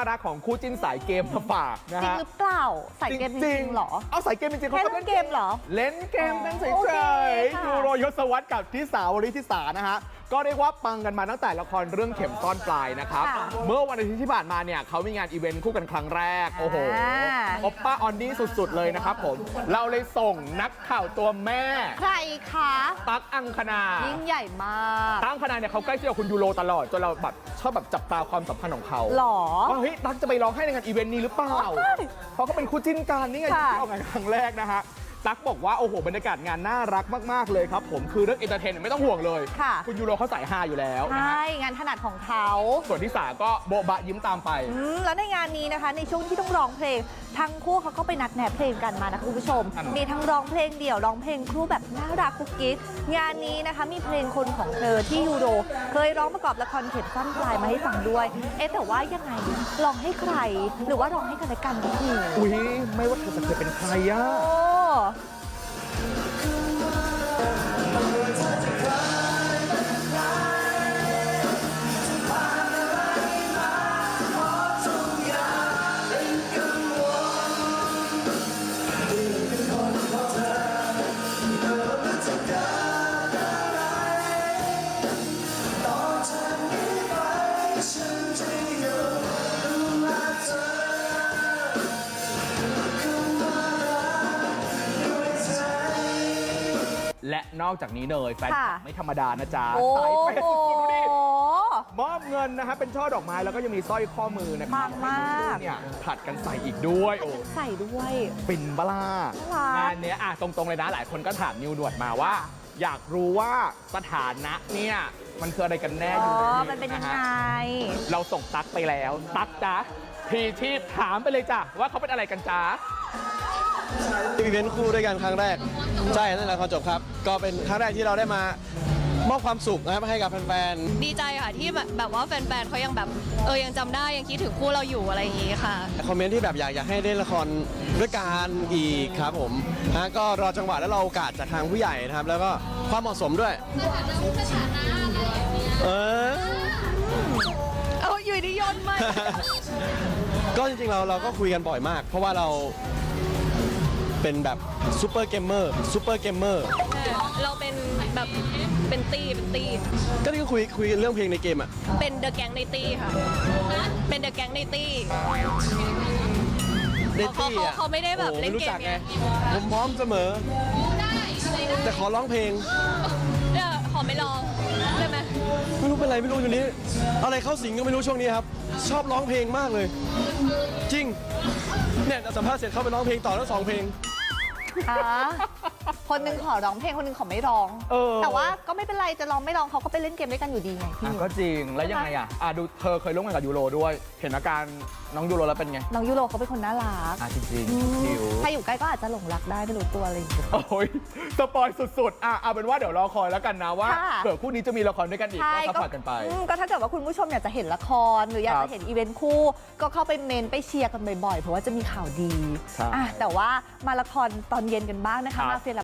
รักของคู่จิ้นสายเกมมาฝากนะฮะจริงหรือเปล่าสายเกมจริงเหรอเอาสายเกมจริงๆเขาก็เล่นเกมเหรอเล่นเกมกันเฉโอเคยๆค่ะยูโรยศวรรษกับทิสาวริธิสานะฮะก็เรียกว่าปังกันมาตั้งแต่ละครเรื่องเข็มซ่อนปลายนะครับเมื่อวันอาทิตย์ที่ผ่านมาเนี่ยเขามีงานอีเวนต์คู่กันครั้งแรกโอ้โหโอปป้าออนดี้สุดๆเลยนะครับผมเราเลยส่งนักข่าวตัวแม่ใครคะตั๊กอังคณายิ่งใหญ่มากตั๊กอังคณาเนี่ยเขาใกล้ชิดกับคุณยูโรตลอดจนเราแบบชอบแบบจับตาความสัมพันธ์ของเขาหรอว่าเฮ้ยตั๊กจะไปร้องให้ในงานอีเวนต์นี้หรือเปล่าเพราะเขาเป็นคู่จิ้นกันนี่ไงที่ออกงานครั้งแรกนะฮะตั๊กบอกว่าโอ้โหบรรยากาศงานน่ารักมากๆเลยครับผมคือเรื่องเอนเตอร์เทนไม่ต้องห่วงเลยคุณยูโรเขาสายฮาอยู่แล้วใช่งานถนัดของเขาส่วนที่สาก็โบบะยิ้มตามไปแล้วในงานนี้นะคะในช่วงที่ต้องร้องเพลงทั้งคู่เขาก็ไปนัดแนะเพลงกันมานะคะคุณผู้ชมมีทั้งร้องเพลงเดี่ยวร้องเพลงคู่แบบน่ารักกุ๊กกิ๊กงานนี้นะคะมีเพลงคนของเธอที่ยูโรเคยร้องประกอบละครเข็มสั้นปลายมาให้ฟังด้วยแต่ว่ายังไงร้องให้ใครหรือว่าร้องให้กันและกันพี่อุ้ยไม่ว่าเธอจะเคยเป็นใครอะและนอกจากนี้เนยแฟนคลับไม่ธรรมดานะจ๊ะสายเปย์สุดๆดูดิมอบเงินนะฮะเป็นช่อดอกไม้แล้วก็ยังมีสร้อยข้อมือนะครับมากเนี่ยผัดกันใส่อีกด้วยโอ้ใส่ด้วยปิ่นบลางานเนี้ยตรงๆเลยนะหลายคนก็ถามนิวด่วนมาว่าอยากรู้ว่าสถานะเนี่ยมันคืออะไรกันแน่อยู่มันเป็นยังไงเราส่งตั๊กไปแล้วตั๊กจ๊ะพีชีพถามไปเลยจ้ะว่าเขาเป็นอะไรกันจ๊ะอีเวนต์คู่ด้วยกันครั้งแรกใช่นั่นแหละครับจบครับก็เป็นครั้งแรกที่เราได้มามอบความสุขนะครับให้กับแฟนๆดีใจค่ะที่แบบว่าแฟนๆเขายังแบบยังจำได้ยังคิดถึงคู่เราอยู่อะไรอย่างงี้ค่ะคอมเมนต์ที่แบบอยากให้เล่นละครด้วยกันอีกครับผมก็รอจังหวะแล้วรอโอกาสจากทางผู้ใหญ่นะครับแล้วก็ความเหมาะสมด้วยอยู่ดีโยนมาก็จริงๆเราก็คุยกันบ่อยมากเพราะว่าเราเป็นแบบซูเปอร์เกมเมอร์เราเป็นแบบเป็นตีก็นี่ก็คุยเรื่องเพลงในเกมอ่ะเป็นเดอะแก๊งในตีค่ะเป็นเดอะแก๊งในตีเขาไม่ได้แบบเล่นเกมไงผมพร้อมเสมอแต่ขอร้องเพลงขอไม่ร้องได้ไหมไม่รู้เป็นไรไม่รู้อยู่นี้อะไรเข้าสิงก็ไม่รู้ช่วงนี้ครับชอบร้องเพลงมากเลยจริงเนี่ยสัมภาษณ์เสร็จเข้าไปร้องเพลงต่อแล้ว2 เพลงคนนึงขอร้องเพลงคนนึงขอไม่ร้องแต่ว่าก็ไม่เป็นไรจะร้องไม่ร้องเขาก็ไปเล่นเกมด้วยกันอยู่ดีไงพี่ก็จริงแล้วยังไงดูเธอเคยร่วมงานกับยูโรด้วยเห็นอาการน้องยูโรแล้วเป็นไงน้องยูโรเขาเป็นคนน่ารักจริงๆใครอยู่ใกล้ก็อาจจะหลงรักได้ไม่รู้ตัวอะไรอย่างเงี้ยโอ้ยสปอยสุดๆเอาเป็นว่าเดี๋ยวรอคอยแล้วกันนะว่าเผื่อคู่นี้จะมีละครด้วยกันอีกก็ซัพพอร์ตกันไปก็ถ้าเกิดว่าคุณผู้ชมอยากจะเห็นละครหรืออยากจะเห็นอีเวนต์คู่ก็เข้าไปเมนไปเชียร์กันบ่อยๆเพราะว่าจะมีข่าวดีแต่ว่ามาละครตอนเย็นกันบ้างนะคะมาเฟีย